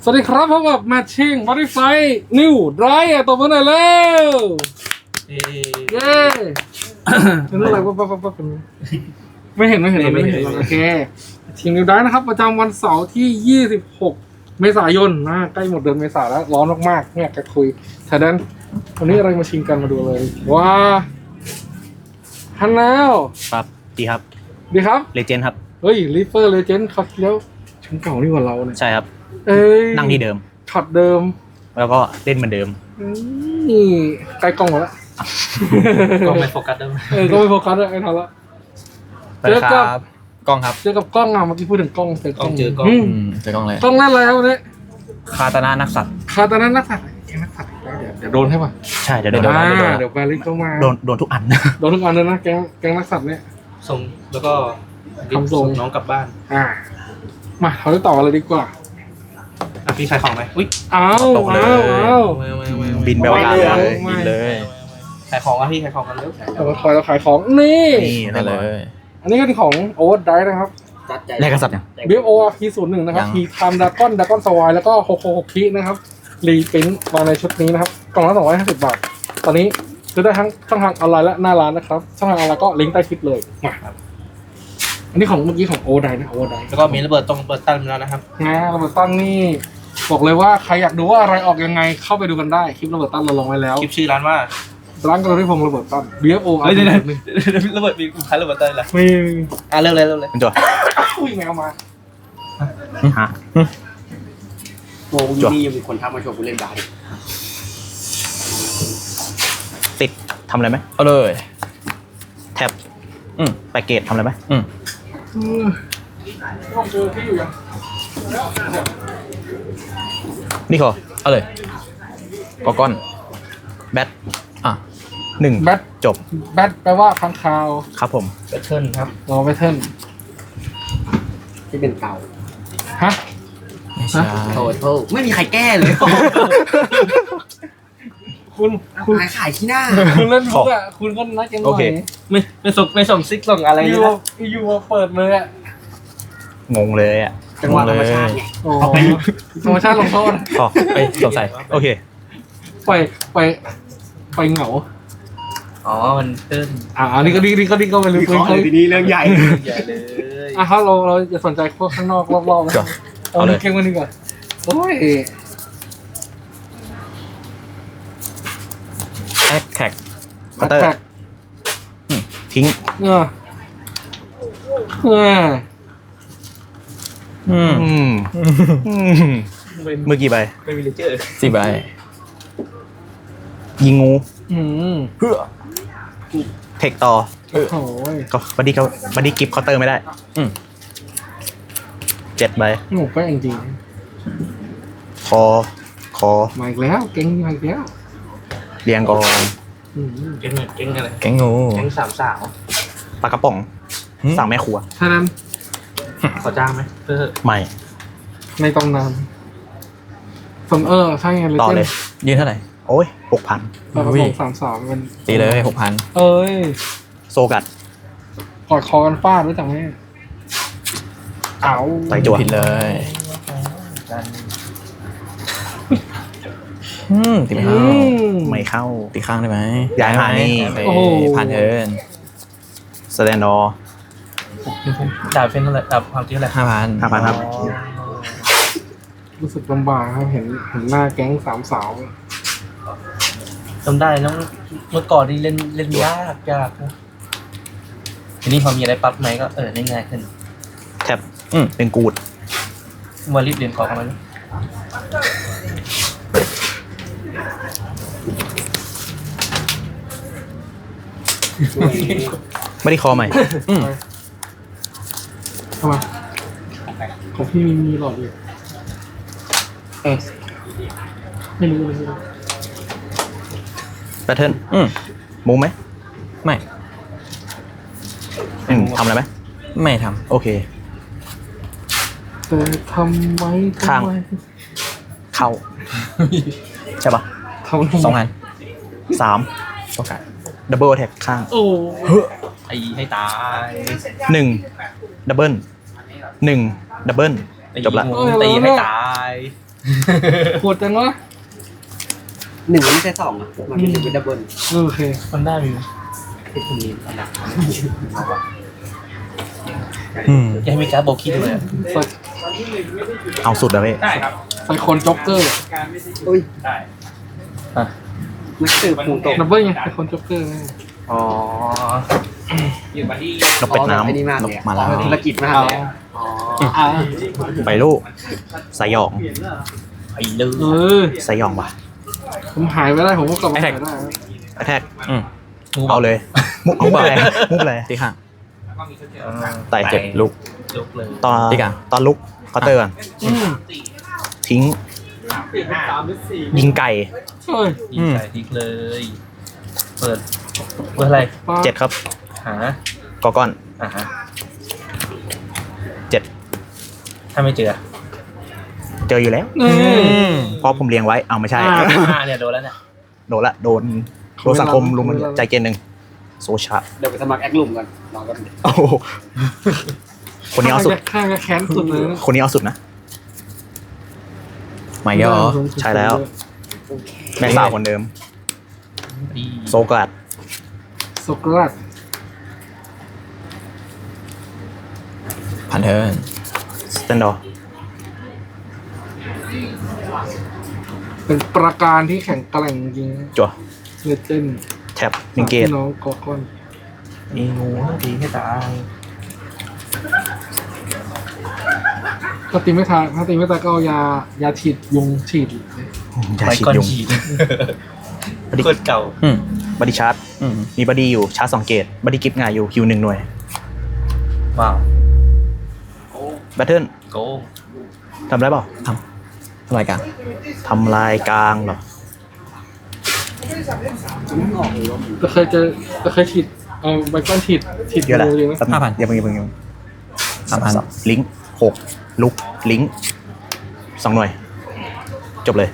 วัสดีครับพบกับแมทชิ่งบอดี้ไฟนิวไดรฟ์ตบมือหน่อยเร็วเย้เป็นอะไรวะไม่เห็นโอเคทีมนิวไดรฟ์นะครับประจำวันเสาร์ที่26เมษายนนะใกล้หมดเดือนเมษาแล้วร้อนมากๆไม่อยากจะคุยฉะนั้นวันนี้อะไรมาชิงกันมาดูเลยว้าฮันนาวครับดีครับดีครับเลเจนด์ครับเฮ้ยลิเฟอร์เลเจนด์เขาแล้วชุดเก่านี่กว่าเราเนี่ยใช่ครับเอ้ยนั่งที่เดิมช็อตเดิมแล้วก็เล่นเหมือนเดิมนี่ใกล้กล้องหมดแล้วก็ไม่โฟกัสได้ไหมก็ไม่โฟกัสเลยไอ้ทันละสวัสดีครับกล้องครับเจอกับกล้องอ่ะเมื่อกี้พูดถึงกล้องเจอกล้องเจอกล้องเจอกล้องเลยกล้องนั่นอะไรครับวันนี้คาตานานักสัตว์คาตานั้นนักสัตว์แกนักสัตว์เดี๋ยวโดนให้ป่ะใช่เดี๋ยวโดนเดี๋ยวแบริกเข้ามาโดนทุกอันโดนทุกอันเลยนะแกงนักสัตว์เนี่ยส่งแล้วก็ทำทรงน้องกลับบ้านมาเราได้ต่อกันเลยดีกว่าอ่ะพี่ขายของไหมอุ้ยเอาบินไปว่าเลยไม่บินเลยขายของอ่ะพี่ขายของกันเร็วเราคอยเราขายของนี่นี่นั่นเลยอันนี้ก็เป็นของโอเวอร์ไดร์นะครับแลกกษัตริย์ยัง BFO P01 นะครับยัง P Time Dragon Swine แล้วก็โคโคโคคินะครับรีพินมาในชุดนี้นะครับกล่องละ250 บาท ตอนนี้ซื้อได้ทั้งช่องทางออนไลน์และหน้าร้านนะครับช่องทางออนไลน์ก็ลิงก์ใต้คลิปเลยมาครับอันนี้ของเมื่อกี้ของโอไดนะโอไดแล้วก็มีระเบิดตรงเปิดตั้งแล้วนะครับระเบิดตั้งนี่บอกเลยว่าใครอยากดูว่าอะไรออกยังไงเข้าไปดูกันได้คลิประเบิดตั้งเราลงไว้แล้วคลิปชื่อร้านว่าร้านกระดิ่งพงระเบิดตั้ง BFO เฮ้ยเดี๋ยวระเบิดมีขายระเบิดตั้งเหรอมีอ่ะเริ่มเลยเป็นตัวอุ้ยแมวมาฮะโอ้ยนี่ยังมีคนทักมาชวนกูเล่นบาสอีกติดทำอะไรไหมเอาเลยแท็บไปเกตทำอะไรไหมต้องเจอที่อยู่ยังนี่ขอเอาเลยกอก้อนแบท1 แบทจบแบทแปลว่าค้างคาวครับผมแบทเทิลครับรอไปเทิร์นที่เป็นเต่าฮะโทษไม่มีใครแก้เลยคุณขายที่หน้าคุณเล่นบุ๊กอ่ะคุณก็นัดกันหน่โออเคยไม่ส่งซิกส่งอะไรอเลยยู่นะอยู่มาเปิดเลยอ่ะงงเลยอ่ะจังหวะธรรมชาติไงโอ้ธรรมชาติลงโทษอ๋อไปสงสัยโอเคไปเหงาอ๋อมันเติ้ลอันนี้ก็ดีก็ไปลึกวิเคราะห์เลยทีนี้เรื่องใหญ่ใหญ่เลยครับเราจะสนใจพวกข้างนอกรอบๆนะจ้ะเอาเก่งมาดีกว่าโอ้ยแท็กคัตเตอร์แท็กทิ้งเออเมื่อกี่ใบไม่มีเลเจอร์ 4 ใบ ยิงงู เพื่อเทคต่อโอ้โหก็บัดดี้กิฟต์เคาน์เตอร์ไม่ได้7 ใบหนูก็จริงคอๆมาอีกแล้วเก่งมาอีกแล้วเรียงกองเก่งอะไรแกงงูเก่งสามสาวปลากระป๋องสั่งแม่ครัวฉะนั้นขอจ้างไหมเพื่อใหม่ในตำนานใช่ไงเลยต่อเลย ยืนเท่าไหร่ โอ้ย 6,000 เรา233เป็นตีเลย 6,000 เอ้ยโซกัดกอดคอกันฟาดรู้จักไหมเอาใส่จั่วผิดเลยตีไม่เข้าไม่เข้า ตีข้างได้ไหมย้ายมานี่ผ่านเทิร์นสแตนดอร์จ่ายเป็นเท่าไหร่ความจริงเท่าไหร่ 5,000ครับรู้สึกลำบากครับเห็นหน้าแก๊งสามสาวจำได้แล้วเมื่อก่อนนี่เล่นยากนะทีนี้พอมีอะไรปั๊บไหมก็เล่นง่ายขึ้นแท็บเป็นกูดมารีบเรียนของมันไม่ได้คอใหม่ทำไมของพี่มีหลอดอยู่ไม่รู้เลยแพทเทิร์นมูไหม ไม่ทำอะไรไหม ไม่ทำ โอเคแต่ทำไว้ข้าง เข้า ใช่ปะทำ 2,000 3โอกาสดับเบิลแท็กข้างโอ้ไอ้ให้ตาย 1 ดับเบิล 1 ดับเบิล จบละตีให้ตายโหดจังวะหนึ่งไม่ใช่สองอ่ะมันเป็นดับเบิลโอเคมันได้มีคือคุณนี้อันดับยังมีการ์ดโบกี้ด้วยใส่เอาสุดแล้วเว้ยใส่คนจ็อกเกอร์อุ้ยอ่ะนักสืบภูตกดับเบิ้ลไงใส่คนจ็อกเกอร์ไงอ๋อนกเป็ดน้ไอ้นี่มากำนเลกยมาแล้วธุรกิจมากเลยอ๋ออ่าไปลูกสยองไอ้เลืเอออสยองว่ะผมหายไปได้ผมก็กลับมาหายได้แท็กเอาเลย มุกอะไรมุกอะไรตีข้างไต่เจ็บลุกลุกเลยตอนตีกันตอนลุกเคาน์เตอร์ก่อนอืมทิ้ง ยิงไก่เฮ้ยยิงใส่ทิกเลย เปิดอะไรปลาเจ็ดครับหากอก้อนฮะเจ็ดถ้าไม่เจอเจออยู่แล้วนี่เพราะผมเลี้ยงไว้เอาไม่ใช่เนี่ยโดนแล้วเนี่ยโดนละโดนสังคมลุมมันใจเกนหนึ่งโซชาเดี๋ยวไปสมัครแอคลุมกันลองกันโอ้โหคนนี้เอาสุดข้างจะแค้นสุดเลยนะคนนี้เอาสุดนะไม่ยอใช่แล้ว แม่สาวคนเดิม โซกาดโซกราดพันเทิร์นสแตนดอร์เป็นประการที่แข็งแกร่งจริงจั่วเลเจนด์แท็บมิงเกตน้องกอก้อนมีงูตีให้ตายถ้าตีไม่ทายถ้าตีไม่ตายก็เอายาฉีดยุงฉีดยาไปฉีดก่อนยุงฉีดโคตรเก่าบอดี้ชาร์จมีบอดี้อยู่ชาร์จ2 เกตบอดี้กิฟต์ง่ายอยู่คิว1 หน่วยว้าวแบทเทิลโกงทำได้เปล่าทำลายกลางทำลายกลางเหรอจะเคยฉีดเอาใบก้อนฉีดเยอะแหละงูเลยไหม 5,000อย่าเพิ่ง3,000ลิงก์6ลุกลิงก์2 หน่วย จบเลย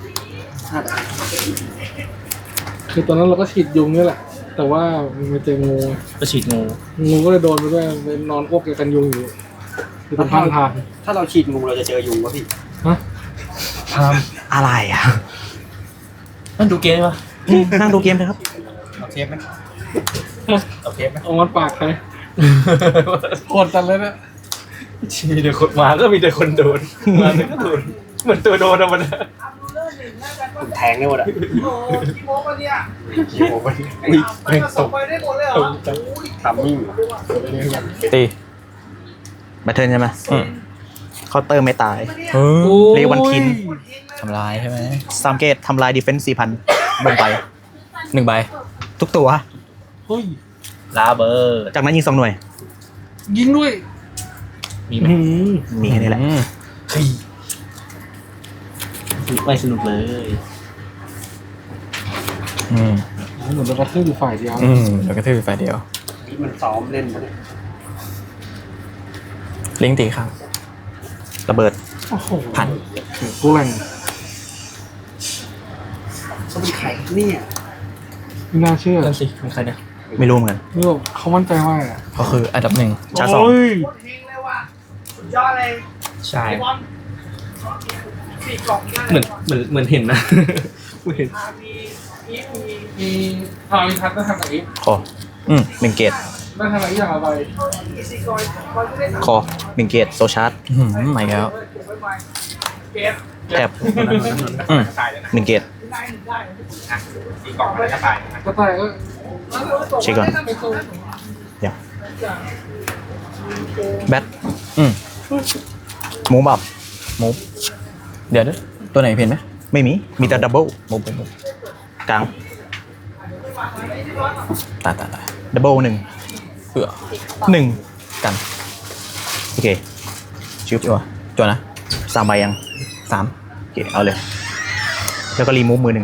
คือตอนนั้นเราก็ฉีดยุงนี่แหละ แต่ว่ามันเจองูก็ฉีดงูงูก็เลยโดนไปด้วยไปนอนอ้วกกันยุงอยู่คือตรงข้างทางถ้าเราฉีดงูเราจะเจอยุงวะพี่ฮะทามอะไรอ่ะนั่นดูเกมปะนั่งดูเกมเลยครับเอาเทปไหมเอาเกมไหมเอามันปากใครโคตรจันเลยนะมีแต่คนมาก็มีแต่คนโดนมาแต่ก็โดนเหมือนตัวโดนอะมันผมแทงได้หมดอ่ะขี้โม้ปะเนี่ยอุ้ยแม่งตกทำมิ่งตีแบทเทิลใช่ไหมเคาน์เตอร์ไม่ตาย เรียกวันทินทำลายใช่ไหม 3 เกตทำลายดีเฟนส์ 4,000 บนไป 1 ใบทุกตัวเฮ้ยลาเบอร์จากนั้นยิง 2 หน่วยยิงด้วยมีไหมมีแค่นี้แหละไม่สนุกเลยเหมือนเรากระทืบอยู่ฝ่ายเดียวเดี๋ยวก็ถือไฟเดียวนี่มันซ้อมเล่นมาเนี่ยลิงก์ตีข้างระเบิดโอ้โหพันกูแรงเขาเป็นใครเนี่ยไม่น่าเชื่อนั่นสิเป็นใครเนี่ยไม่รู้เหมือนกันนี่แบบเขามั่นใจมากอะก็คืออันดับ 1 ชาร์จ 2 โอ้ยใช่เหมือนเห็นนะเห็นมีมีทัศน์ได้ทำไหนคอ1 เกตได้ทำไหนอย่างไรคอ1 เกตโซชาร์จใหม่แล้วแท็บ1 เกตก็ตายก็เช็คก่อนเดี๋ยวแบท มูฟอัพมูฟเดี๋ยวด้วยตัวไหนเพี้ยนไหมไม่มี มีแต่ดับเบิลมูฟเป็นมูฟกลางตายดับเบิล1 เผื่อ 1 กันโอเคชิบจัวนะ 3 ใบยัง 3 โอเค เอาเลย แล้วก็รีมูฟมือ 1 1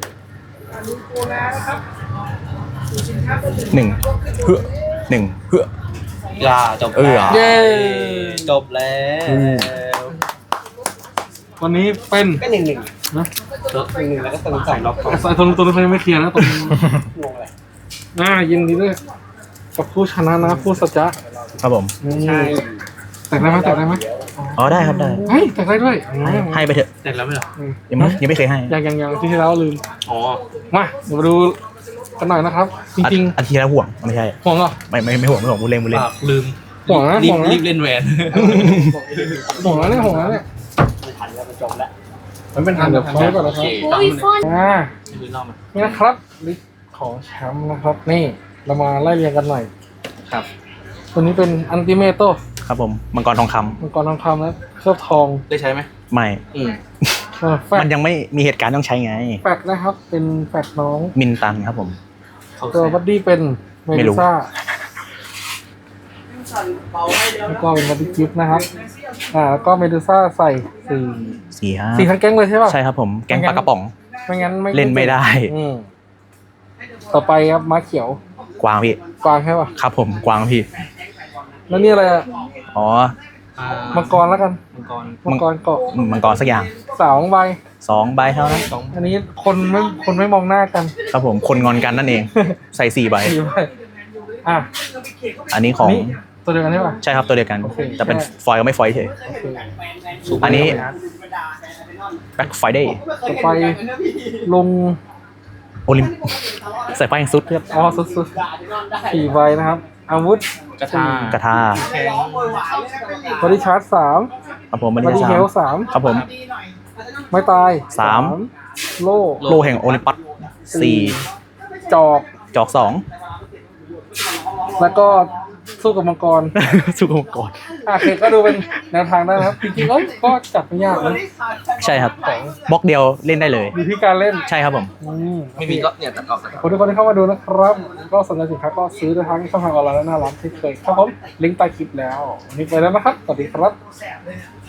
เพื่อ 1 เพื่อจบแล้วเย้จบแล้ววันนี้เป็นก็หนึ่งหนึ่งนะหนึ่งแล้วก็เติมสองล็อกเขาสายตรงนี้เขายังไม่เคลียร์นะตรงนี้งงอะไรยินดีด้วยกับผู้ชนะนะผู้สัจจะครับผมใช่แต่งได้ไหมอ๋อได้ครับได้เฮ้ยแต่ได้ด้วยให้ไปเถอะแจกแล้วไหมเหรอยังไม่เคยให้ยังที่แล้วลืมอ๋อมาเดี๋ยวมาดูกันหน่อยนะครับ จริงอันที่แล้วห่วงไม่ใช่ๆห่วงเหรอไม่ห่วงพูดเล่นปากลืมห่วงนะรีห่บวงนะรีบเล่นแหวนห่วงนะเนี่ยห่วงนะเนี่ยไม่ทันแล้วมันจบแล้วมันเป็นทางเดี๋ยวเขาก่อนนะครับโอ้ยฟอนดูนอกมานี่นะครับลิสต์ของแชมป์นะครับ นี่เรามาไล่เรียงกันหน่อยครับตัวนี้เป็นอันติเมโตครับผมมังกรทองคำมังกรทองคำนะเคลือบทองได้ใช้ไหมไม่แฟมันกยังไม่มีเหตุการณ์ต้องใช้ไงแฟกนะครับ เป็นแฟกน้องมินตันครับผมเขาตัวบัดดี้เป็นเมไม่รู้ดูซ่าแล้วก็เป็นบัดดี้กิฟต์นะครับแล้วก็เมดูซ่าใส่สี่ทั้งแก๊งเลยใช่ป่ะใช่ครับผมแก๊งปลากระป๋องไม่งั้นไม่เล่นไม่ได้อืมต่อไปครับม้าเขียวกวางพี่กวางใช่ป่ะครับผมกวางพี่แล้วนี่อะไรอะอ๋อมังกรแล้วกันมังกรมังกรเกาะมังกรสักอย่าง 2 ใบ 2 ใบเท่านั้นอันนี้คนไม่มองหน้ากันครับผมคนงอนกันนั่นเอง ใส่4 ใบ 4 ใบอ่ะอันนี้ของนี่ตัวเดียวกันใช่ป่ะใช่ครับตัวเดียวกันโอเคแต่เป็นฟอยล์ก็ไม่ฟอยล์เฉยโอเคอันนี้ Black Friday ต่อไปลงโอลิมใส่ไฟแห่งสุดครับอ๋อสุดๆ4 ใบนะครับ อาวุธกระทากระทาบอดี้ชาร์จ3 ครับผมมันบอดี้จะเฮลสาม 3 ครับผมไม่ตายสามโล่โลแห่งโอลิมปัสจอก 4จอก 2 แล้วก็สู้กับมังกรสู้กับมังกรโอเคก็ดูเป็นแนวทางได้นะครับ จริงๆก็จับไม่ยากนะใช่ครับบล็อกเดียวเล่นได้เลยอยู่ที่การเล่นใช่ครับผมไม่มีก็เนี่ยตัดออกขอบคุณทุกคนที่เข้ามาดูนะครับ ก็สนใจสินค้าก็ซื้อได้ทั้งช่องทางออนไลน์และหน้าร้านที่เคยครับผมลิงก์ใต้คลิปแล้ววันนี้ไปแล้วนะครับ สวัสดีครับ